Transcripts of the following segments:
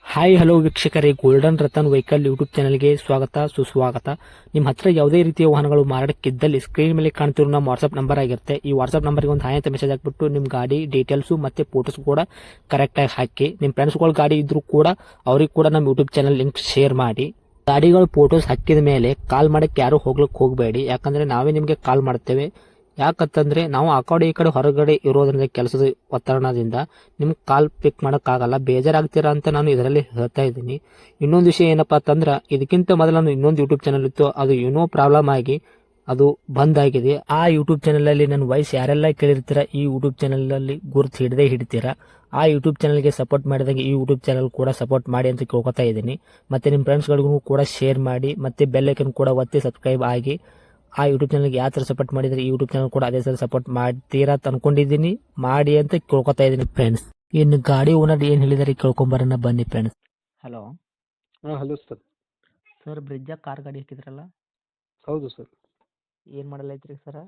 Hi hello ವೀಕ್ಷಕರೇ, golden Ratan vehicle YouTube ಚಾನಲ್ಗೆ ಸ್ವಾಗತ ಸುಸ್ವಾಗತ. ನಿಮ್ಮ ಹತ್ರ ಯಾವುದೇ ರೀತಿಯ ವಾಹನಗಳು ಮಾರಾಟಕ್ಕಿದ್ದಲ್ಲಿ ಸ್ಕ್ರೀನ್ ಮೇಲೆ ಕಾಣ್ತಿರೋ ನಮ್ಮ ವಾಟ್ಸ್ಆಪ್ ನಂಬರ್ ಆಗಿರುತ್ತೆ. ಈ ವಾಟ್ಸ್ಆಪ್ ನಂಬರ್ಗೆ ಒಂದು ಹಾಯ್ ಅಂತ ಮೆಸೇಜ್ ಹಾಕ್ಬಿಟ್ಟು ನಿಮ್ಮ ಗಾಡಿ ಡೀಟೇಲ್ಸು ಮತ್ತೆ ಫೋಟೋಸ್ ಕೂಡ ಕರೆಕ್ಟಾಗಿ ಹಾಕಿ. ನಿಮ್ಮ ಫ್ರೆಂಡ್ಸ್ಗಳ ಗಾಡಿ ಇದ್ರೂ ಕೂಡ ಅವ್ರಿಗೆ ಕೂಡ ನಮ್ಮ ಯೂಟ್ಯೂಬ್ ಚಾನಲ್ ಲಿಂಕ್ ಶೇರ್ ಮಾಡಿ. ಗಾಡಿಗಳು ಫೋಟೋಸ್ ಹಾಕಿದ ಮೇಲೆ ಕಾಲ್ ಮಾಡಕ್ಕೆ ಯಾರು ಹೋಗ್ಲಿಕ್ಕೆ ಹೋಗಬೇಡಿ, ಯಾಕಂದ್ರೆ ನಾವೇ ನಿಮಗೆ ಕಾಲ್ ಮಾಡ್ತೇವೆ. ಯಾಕಂತಂದ್ರೆ ನಾವು ಆ ಕಡೆ ಈ ಕಡೆ ಹೊರಗಡೆ ಇರೋದ್ರಿಂದ ಕೆಲಸದ ಒತ್ತಡದಿಂದ ನಿಮ್ಗೆ ಕಾಲ್ ಪಿಕ್ ಮಾಡೋಕ್ಕಾಗಲ್ಲ, ಬೇಜಾರಾಗ್ತೀರಾ ಅಂತ ನಾನು ಇದರಲ್ಲಿ ಹೇಳ್ತಾ ಇದ್ದೀನಿ. ಇನ್ನೊಂದು ವಿಷಯ ಏನಪ್ಪಾ ಅಂತಂದ್ರೆ, ಇದಕ್ಕಿಂತ ಮೊದಲು ನಾನು ಇನ್ನೊಂದು ಯೂಟ್ಯೂಬ್ ಚಾನಲ್ ಇತ್ತು, ಅದು ಏನೋ ಪ್ರಾಬ್ಲಮ್ ಆಗಿ ಅದು ಬಂದ್ ಆಗಿದೆ. ಆ ಯೂಟ್ಯೂಬ್ ಚಾನಲ್ ಅಲ್ಲಿ ನನ್ನ ವಾಯ್ಸ್ ಯಾರೆಲ್ಲ ಕೇಳಿರ್ತೀರಾ, ಈ ಯೂಟ್ಯೂಬ್ ಚಾನಲ್ ಅಲ್ಲಿ ಗುರುತು ಹಿಡದೇ ಹಿಡಿತೀರಾ. ಆ ಯೂಟ್ಯೂಬ್ ಚಾನಲ್ಗೆ ಸಪೋರ್ಟ್ ಮಾಡಿದಾಗ ಈ ಯೂಟ್ಯೂಬ್ ಚಾನಲ್ ಕೂಡ ಸಪೋರ್ಟ್ ಮಾಡಿ ಅಂತ ಕೇಳ್ಕೊತಾ ಇದ್ದೀನಿ. ಮತ್ತೆ ನಿಮ್ಮ ಫ್ರೆಂಡ್ಸ್ಗಳಿಗೂ ಕೂಡ ಶೇರ್ ಮಾಡಿ, ಮತ್ತೆ ಬೆಲ್ ಐಕನ್ ಕೂಡ ಒತ್ತಿ ಸಬ್ಸ್ಕ್ರೈಬ್ ಆಗಿ. ಆ ಯೂಟ್ಯೂಬ್ ಚಾನಲ್ಗೆ ಯಾವ ಥರ ಸಪೋರ್ಟ್ ಮಾಡಿದ್ರೆ ಈ ಯೂಟ್ಯೂಬ್ ಚಾನಲ್ ಕೂಡ ಅದೇ ಥರ ಸಪೋರ್ಟ್ ಮಾಡ್ತೀರಾ ಅಂತ ಅನ್ಕೊಂಡಿದ್ದೀನಿ. ಮಾಡಿ ಅಂತ ಕೇಳ್ಕೊತಾ ಇದ್ದೀನಿ ಫ್ರೆಂಡ್ಸ್. ಇನ್ನು ಗಾಡಿ ಓನರ್ ಏನು ಹೇಳಿದಾರೆ ಕೇಳ್ಕೊಂಬರೋಣ ಬನ್ನಿ ಫ್ರೆಂಡ್ಸ್. ಹಲೋ ಹಾಂ ಹಲೋ ಸರ್. ಸರ್, ಬ್ರಿಡ್ಜಾಗ ಕಾರ್ ಗಾಡಿ ಹಾಕಿದ್ರಲ್ಲ, ಹೌದು ಸರ್. ಏನು ಮಾಡಲ್ ಐತ್ರಿ ಸರ್?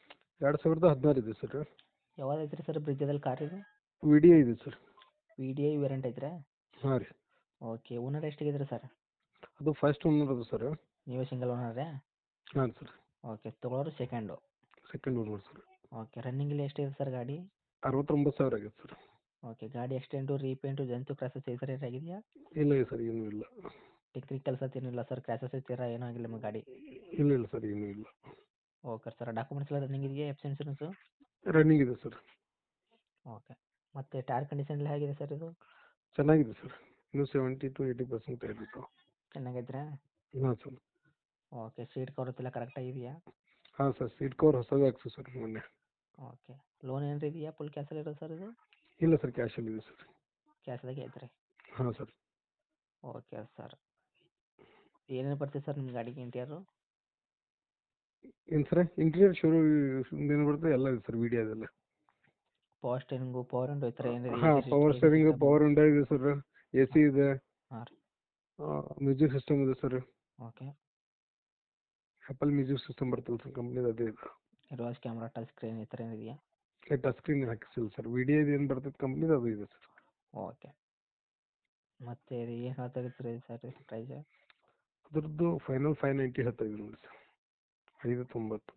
2016 ಇದೆ ಸರ್. ಯಾವ್ದು ಐತ್ರಿ ಸರ್ ಬ್ರಿಡ್ಜದಲ್ಲಿ ಕಾರ್ ಇದು? ವಿ ಡಿ ಐ ಇದೆ sir. V D I variant ಐತ್ರಾ? ಹಾಂ ರೀ. ಓಕೆ, ಓನರ್ ಎಷ್ಟಿಗಿದ್ರಿ ಸರ್? ಅದು ಫಸ್ಟ್ ಓನರ್ ಅದು ಸರ್. ನೀವು ಸಿಂಗಲ್ ಓನರೇ? ಹಾಂ ಸರ್. ಓಕೆ, ತೊಗೊಳೋರು second. Second owner sir. Okay, ರನ್ನಿಂಗಲ್ಲಿ ಎಷ್ಟಿದೆ ಸರ್ ಗಾಡಿ? 69,000 ಆಗೈತೆ ಸರ್. ಓಕೆ, ಗಾಡಿ ಎಕ್ಸ್ಟೆಂಟು ರೀಪೇಂಟು ಜಂತು ಕ್ರಾಸಸ್ ಈ ಥರ ಆಗಿದೆಯಾ? ಇಲ್ಲ ಸರ್, ಏನೂ ಇಲ್ಲ. ಟೆಕ್ನಿಕಲ್ ಸತ್ ಏನಿಲ್ಲ ಸರ್, ಕ್ರಾಸಸ್ ಈ ಥರ ಏನೂ ಆಗಿಲ್ಲ ನಿಮ್ಮ ಗಾಡಿ? ಇಲ್ಲ ಸರ್, ಏನೂ ಇಲ್ಲ. ಓಕೆ ಸರ್, ಡಾಕ್ಯುಮೆಂಟ್ಸ್ ಎಲ್ಲ ರನ್ನಿಂಗ್ ಇದೆಯಾ? F C insurance? ರನ್ನಿಂಗ್ ಇದೆ ಸರ್. ಓಕೆ, ಮತ್ತು ಟೈರ್ ಕಂಡೀಷನ್ ಎಲ್ಲ ಹೇಗಿದೆ ಸರ್ ಇದು? ಚೆನ್ನಾಗಿದೆ ಸರ್. ಇನ್ನೂ 70 to 80% ಇರುತ್ತೆ. ಚೆನ್ನಾಗೈತ್ರಾ? ಹಾಂ ಸರ್. ಓಕೆ, ಸೀಟ್ ಕವರ್ ಎಲ್ಲ ಕರೆಕ್ಟಾಗಿದೆಯಾ? ಹಾಂ ಸರ್, ಸೀಟ್ ಕವರ್ ಹೊಸದು ಹಾಕ್ಸಿ ಸರ್ ಮೊನ್ನೆ. ಓಕೆ, ಲೋನ್ ಏನಾರು ಇದೆಯಾ? ಫುಲ್ ಕ್ಯಾಶಲ್ಲಿ ಇರೋದು ಸರ್ ಇದು? ಇಲ್ಲ ಸರ್, ಕ್ಯಾಶಲ್ಲಿ ಇದೆ ಸರ್. ಕ್ಯಾಶ್ದಾಗೆ ಐತ್ರಿ? ಹಾಂ ಸರ್. ಓಕೆ ಸರ್, ಏನೇನು ಬರ್ತದೆ ಸರ್ ನಿಮ್ಮ ಗಾಡಿಗೆ ಇಂಟೀರಿಯರು? ಏನು ಸರ್, ಇಂಟೀರಿಯರ್ ಶೋರೂ ಏನು ಬರುತ್ತೆ ಎಲ್ಲ ಇದೆ ಸರ್, ವಿ ಡಿ ಅದೆಲ್ಲ. ಪವರ್ ಸ್ಟೇರಿಂಗು, ಪವರ್ ವಿಂಡೋ ಈ ಥರ ಏನಿದೆ? ಹಾಂ, ಪವರ್ ಸ್ಟೇರಿಂಗ್, ಪವರ್ ವಿಂಡೋ ಇದೆ ಸರ್. ಎ ಸಿ ಇದೆ. ಹಾಂ ರೀ. ಮ್ಯೂಸಿಕ್ ಸಿಸ್ಟಮ್ ಇದೆ sir. Okay, Apple music system ಬರ್ತಲ್ಲ ಸರ್, ಕಂಪ್ನಿದು ಅದೇ ಇದೆ. ರಿವರ್ಸ್ ಕ್ಯಾಮ್ರಾ, ಟಚ್ ಸ್ಕ್ರೀನ್ ಈ ಥರ ಏನಿದೆಯಾ? ಟಚ್ ಸ್ಕ್ರೀನ್ ಹಾಕಿಸಿಲ್ಲ ಸರ್. ವಿಡಿಯೋದು ಏನು ಬರ್ತದೆ ಕಂಪ್ನಿದು ಅದು ಇದೆ ಸರ್. ಓಕೆ, ಮತ್ತು ಇದು ಏನು ಹೇಳ್ತಾಯಿದ್ರಿ ಸರ್ ಪ್ರೈಸ್? ಅದ್ರದ್ದು ಫೈನಲ್ 590 ಹೇಳ್ತಾ ಇದ್ದೀನಿ ನೋಡಿ ಸರ್. 590.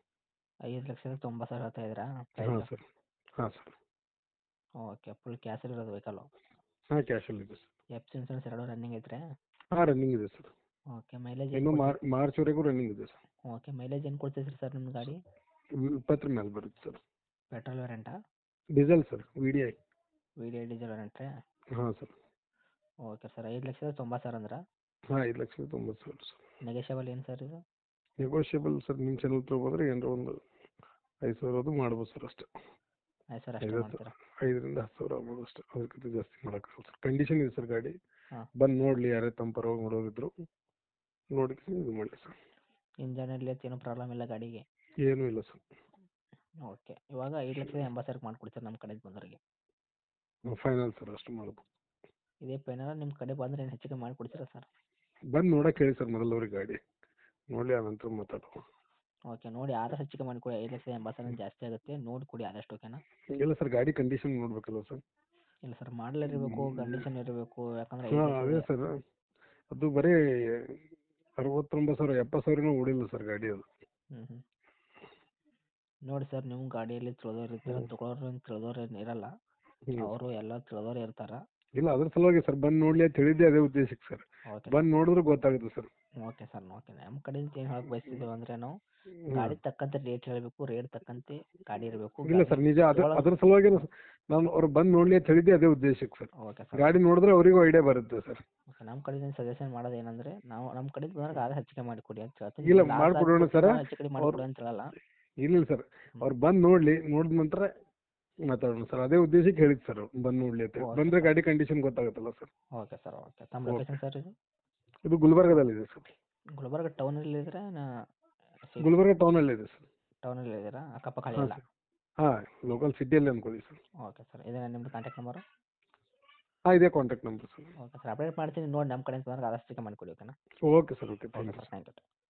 5,90,000 ಹೇಳ್ತಾ ಇದ್ದೀರಾ ಹಾಂ ಪ್ರೈಸ್? ಸರ್. ಹಾಂ ಸರ್. ಓಕೆ, ಫುಲ್ ಕ್ಯಾಶಲ್ಲಿ ಇರೋದು ವೆಹಿಕಲ್ಲು? ಹಾಂ, ಕ್ಯಾಶಲ್ಲಿ ಇದೆ ಸರ್. ಎಫ್ ಸಿ ಇನ್ಸೂರೆನ್ಸ್ ಎರಡೂ ರನ್ನಿಂಗ್ ಐತ್ರಾ? ಹಾಂ, ರನ್ನಿಂಗ್ ಇದೆ ಸರ್. ಓಕೆ, ಮೈಲೇಜ್ ಇನ್ನು ಏನು? ಮಾರ್ಚ್ವರೆಗೂ ರನ್ನಿಂಗ್ ಇದೆ ಸರ್. ಓಕೆ, ಮೈಲೇಜ್ ಏನು ಕೊಡ್ತೈತ್ರಿ ಸರ್ ನಿಮ್ಮ ಗಾಡಿ? 20 ಮೇಲೆ ಬರುತ್ತೆ ಸರ್. ಪೆಟ್ರೋಲ್ ವೇರಿಯಂಟಾ? Diesel sir, V D I. V D I diesel ವೇರಿಯಂಟ್ರಾ? ಹಾಂ ಸರ್. ಓಕೆ ಸರ್, 5,90,000 ಅಂದ್ರೆ? ಹಾಂ, 5,90,000 ಸರ್. ನೆಗೋಷಿಯಬಲ್ ಏನು ಸರ್ ಇದು? ನೆಗೋಷಿಯಬಲ್ ಸರ್, ನಿಮ್ಮ ಚಾನಲ್ ತ್ರೂ ಬಂದರೆ ಏನಾರ ಒಂದು 5,000 ಅದು ಮಾಡ್ಬೋದು ಸರ್ ಅಷ್ಟೇ. 5,000 ಅಷ್ಟೇ ಮಾಡ್ತೀರಾ? 5ರಿಂದ 10,000 ಆಗ್ಬೋದು ಅಷ್ಟೇ, ಅದಕ್ಕಿಂತ ಜಾಸ್ತಿ ಮಾಡೋಕ್ಕಾಗಲ್ಲ ಸರ್. ಕಂಡೀಷನ್ ಇದೆ ಸರ್ ಗಾಡಿ. ಹಾಂ. ಬಂದು ನೋಡಲಿ, ಯಾರೇ ತಮ್ಮ ಪರವಾಗಿ ನೋಡೋರಿದ್ರು ನೋಡಿ ಇದು ಮಾಡಿ ಸರ್. ಇಂಜನಲ್ಲಿ ಏನೂ ಪ್ರಾಬ್ಲಮ್ ಇಲ್ಲ ಗಾಡಿಗೆ? ಏನೂ ಇಲ್ಲ ಸರ್. ಓಕೆ, ಇವಾಗ 5,80,000 ಮಾಡಿಕೊಡ್ತೀರಾ ನಮ್ಮ ಕಡೆಗೆ ಬಂದವರಿಗೆ? ಫೈನಲ್ ಸರ್, ಅಷ್ಟು ಮಾಡ್ಬೋದು. ಇದೇ ಫೈನಲ್? ನಿಮ್ಮ ಕಡೆ ಬಂದರೆ ಏನು ಹೆಚ್ಚಿಗೆ ಮಾಡಿಕೊಡ್ತೀರಾ ಸರ್? ಬಂದು ನೋಡೋಕೆ ಹೇಳಿ ಸರ್ ಮೊದಲವ್ರಿಗೆ ಗಾಡಿ ನೋಡಲಿ, ಆನಂತರ ಮಾತಾಡುವ. ಓಕೆ, ನೋಡಿ ಆದಷ್ಟು ಹೆಚ್ಚಿಗೆ ಮಾಡಿಕೊಡಿ. 5,80,000 ಜಾಸ್ತಿ ಆಗುತ್ತೆ, ನೋಡಿ ಕೊಡಿ ಆದಷ್ಟು. ಓಕೆನಾ? ಇಲ್ಲ ಸರ್, ಗಾಡಿ ಕಂಡೀಷನ್ ನೋಡ್ಬೇಕಲ್ಲ ಸರ್. ಇಲ್ಲ ಸರ್, ಮಾಡಲ್ ಇರಬೇಕು, ಕಂಡೀಷನ್ ಇರಬೇಕು, ಯಾಕಂದರೆ ಹಾಂ, ಅದೇ ಸರ್. ಅದು ಬರೀ 69,000 70,000 ಓಡಿಲ್ಲ ಸರ್ ಗಾಡಿ ಅದು. ಹ್ಞೂ. ನೋಡಿ ಸರ್, ನಿಮ್ಮ ಗಾಡಿಯಲ್ಲಿ ತಿಳಿದವ್ರು ಇರ್ತಾರೆ, ತೊಗೊಳೋರು ತಿಳಿದವ್ರು ಏನು ಇರಲ್ಲ, ಅವರು ಎಲ್ಲ ತಿಳಿದವ್ರು ಇರ್ತಾರೆ. ಇಲ್ಲ, ಅದ್ರ ಸಲುವಾಗಿ ಸರ್ ಬಂದು ನೋಡಲಿ ಅಂತ ಹೇಳಿದ್ದೆ, ಅದೇ ಉದ್ದೇಶಕ್ಕೆ ಸರ್. ಓಕೆ ಬಂದು ನೋಡಿದ್ರೆ ಗೊತ್ತಾಗುತ್ತೆ ಸರ್. Okay sir, okay. ನಮ್ಮ ಕಡೆಯಿಂದ ಏನು ಹೇಳಕ್ಕೆ ಬಯಸ್ತಿದ್ದೀವಿ ಅಂದರೆ, ನಾವು ಗಾಡಿ ತಕ್ಕಂತೆ ರೇಟ್ ಹೇಳಬೇಕು, ರೇಟ್ ತಕ್ಕಂತೆ ಗಾಡಿ ಇರಬೇಕು. ಇಲ್ಲ ಸರ್, ನಿಜ. ಅದ್ರ ಸಲುವಾಗಿ ನಾನು ಅವ್ರು ಬಂದು ನೋಡಲಿ ಅಂತ ಹೇಳಿದ್ದೆ, ಅದೇ ಉದ್ದೇಶಕ್ಕೆ ಸರ್. Okay sir. ಗಾಡಿ ನೋಡಿದ್ರೆ ಅವರಿಗೂ ಐಡಿಯಾ ಬರುತ್ತೆ ಸರ್. ಓಕೆ, ನಮ್ಮ ಕಡೆಯಿಂದ ಸಜೆಷನ್ ಮಾಡೋದು ಏನಂದರೆ, ನಾವು ನಮ್ಮ ಕಡೆಯಿಂದ ಬಂದಾಗ ಆದಷ್ಟು ಹೆಚ್ಚಿಗೆ ಮಾಡಿಕೊಡಿ ಅಂತ ಹೇಳ್ತೀನಿ. ಇಲ್ಲ, ಮಾಡಿಕೊಡೋಣ ಸರ್. ಹೆಚ್ಚು ಕಡಿಮೆ ಮಾಡಿಕೊಡಿ ಅಂತ ಹೇಳಲ್ಲ. ಇಲ್ಲ ಸರ್, ಅವ್ರು ಬಂದು ನೋಡಲಿ, ನೋಡಿದ ನಂತರ ಮಾತಾಡೋಣ ಸರ್. ಅದೇ ಉದ್ದೇಶಕ್ಕೆ ಹೇಳಿದ್ದು ಸರ್, ಬಂದು ನೋಡಲಿ ಅಂತ. ಬಂದರೆ ಗಾಡಿ ಕಂಡೀಷನ್ ಗೊತ್ತಾಗುತ್ತಲ್ಲ ಸರ್. Okay sir, okay. ತಮ್ಮ ಲೊಕೇಶನ್ ಸರ್ ಇದು? ಇದು ಗುಲ್ಬರ್ಗದಲ್ಲಿದೆ ಸರ್. ಗುಲ್ಬರ್ಗ ಟೌನಲ್ಲಿ ಇದ್ರೆ ಗುಲ್ಬರ್ಗ ಟೌನಲ್ಲಿದೆ ಸರ್. ಟೌನಲ್ಲಿ ಇದ್ದೀರಾ? ಅಕ್ಕಪಕ್ಕ ಹಾಂ ಇಲ್ಲ? ಸರ್. ಹಾಂ, ಲೋಕಲ್ ಸಿಟಿಯಲ್ಲಿ ಅಂದ್ಕೊಳ್ಳಿ ಸರ್. ಓಕೆ ಸರ್, ಇದೇನಾ ನಿಮ್ಮದು ಕಾಂಟ್ಯಾಕ್ಟ್ ನಂಬರು? ಹಾಂ, ಇದೇ contact number sir. Okay sir, update ಮಾಡ್ತೀನಿ ನೋಡಿ. ನಮ್ಮ ಕಡೆಯಿಂದ ಬಂದಾಗ ಆದಷ್ಟು ಹೆಚ್ಚಿಗೆ ಮಾಡಿಕೊಡಿ. ಓಕೆನಾ? Okay sir, okay. Thank you. Thank you.